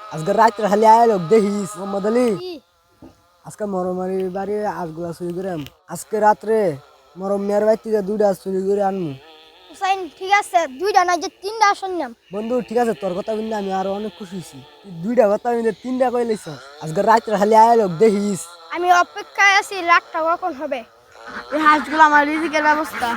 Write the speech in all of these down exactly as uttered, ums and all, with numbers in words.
আজকে রাত্রে খালি আয় লোক দেখিস মোহাম্মদ আলী কি? আজকে মরমারি বাড়ি আজগুলা চুরি করে আনবো। আজকে রাত্রে মরম মেয়ের বাড়ি থেকে দুইটা চুরি করে আনবো। হুসাইন ঠিক আছে, দুইটা না যে তিনটা আসন নাম। বন্ধু ঠিক আছে, তোর কথা বললে আমি আরো অনেক খুশি হয়েছি। তুই দুইটা কথা বললে তিনটা কই লাইছ। আজকে রাত্রে খালি আয় লোক দেখিস। আমি অপেক্ষায় আছি, লাখটা কখন হবে। এই হাঁসগুলো আমার রিজিকের ব্যবস্থা।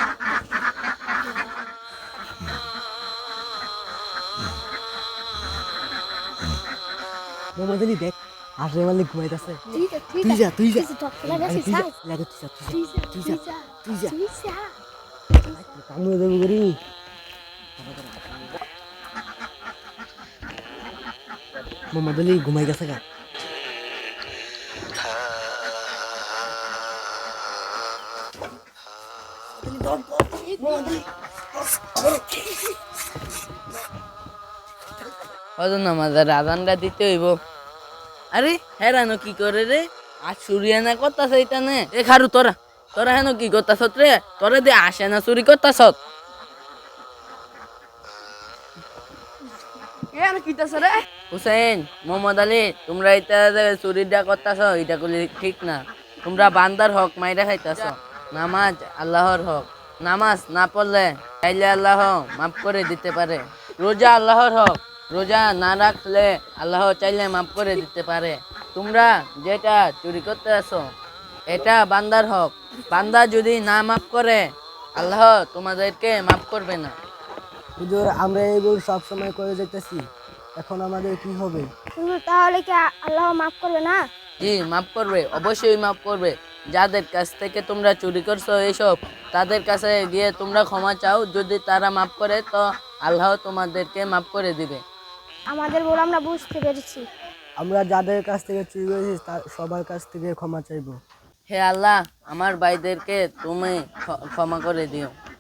মোহাম্মদ আলী দেখ, আসলে মালিক ঘুমাইতেছে। ঠিক আছে, ঠিক তুই যা তুই যা কিছু ধর ফেলা আরে গেছে, তুই যা স্যার। লাগে তুই যা তুই যা তুই তুই যা যা, তুই যা তুই যা। কামড়ে দেবো করি। মোহাম্মদ আলী ঘুমাই গেছে গা। হয়তো নামাজের আজানটা দিতে হইব। আরে হেরানো কি করে রে? আজ সুরিয়া না করতাছ এটা নে এ খারু তোরা তোরা হেন কি করতাছ রে? তোরা দিয়ে আসে না চুরি করতাছ? এ আর কিতাছে রে? হুসেন, মোহাম্মদ আলী, তোমরা এটা যে চুরিটা করতাছ এটা করলে ঠিক না। তোমরা বান্দার হক মাইরা খাইতাছ। নামাজ আল্লাহর হক, নামাজ না পড়লে চাইলে আল্লাহ মাফ করে দিতে পারে। রোজা আল্লাহর হক, রোজা না রাখলে আল্লাহ চাইলে মাফ করে দিতে পারে। তোমরা যেটা চুরি করতে আসো এটা বান্দার হক, বান্দা যদি না মাফ করে আল্লাহ তোমাদেরকে মাফ করবে না। হুজুর আমরা এইগুলো সব সময় করে যেতেছি, এখন আমাদের কি হবে? হুজুর, তাহলে কি আ- আল্লাহ মাফ করবে না? জি মাফ করবে, অবশ্যই মাফ করবে। যাদের কাছ থেকে তোমরা চুরি করছো এইসব, তাদের কাছে গিয়ে তোমরা ক্ষমা চাও, যদি তারা মাফ করে তো আল্লাহ তোমাদেরকে মাফ করে দিবে। আমাদের বলে আমরা বুঝতে পেরেছি। আমরা যাদের কাছ থেকে চুরি করেছি তার সবার কাছ থেকে ক্ষমা চাইবো। হে আল্লাহ, আমার ভাইদেরকে তুমি ক্ষ- ক্ষমা করে দিও।